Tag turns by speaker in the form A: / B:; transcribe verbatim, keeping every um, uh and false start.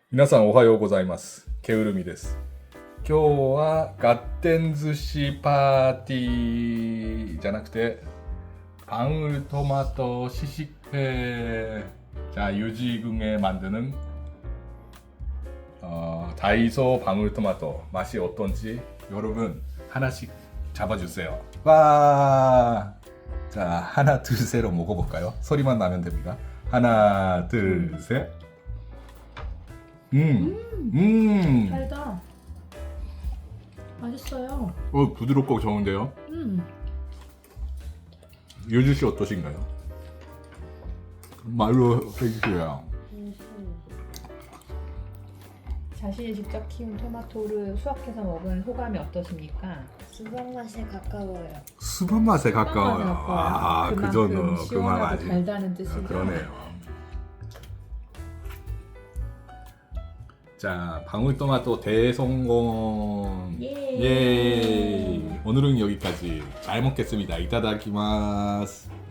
A: 皆さんおはようございます。ケウルミです。今日はガッテン寿司パーティーじゃなくて방울토마토 시식회. 자, 유지궁에 만드는 어, 다이소 방울토마토 맛이 어떤지 여러분 하나씩 잡아주세요. 와! 자, 하나 둘 셋로 먹어볼까요? 소리만 나면 됩니다. 하나 둘 셋. 음, 음,
B: 달다. 맛있어요.
A: 어, 부드럽고 좋은데요.
B: 음.
A: 유주 씨 어떠신가요? 말로 해주세요.
B: 자신이 직접 키운 토마토를 수확해서 먹은 소감이 어떠십니까?
C: 수박 맛에 가까워요.
A: 수박 맛에 가까워요. 아,
B: 그만큼
A: 그저는 그만
B: 시원하고
A: 아직.
B: 달다는 뜻이죠.
A: 아, 그러네요. 자, 방울토마토 대성공.
B: 예.
A: 예. 오늘은 여기까지. 잘 먹겠습니다. 이타다키마스.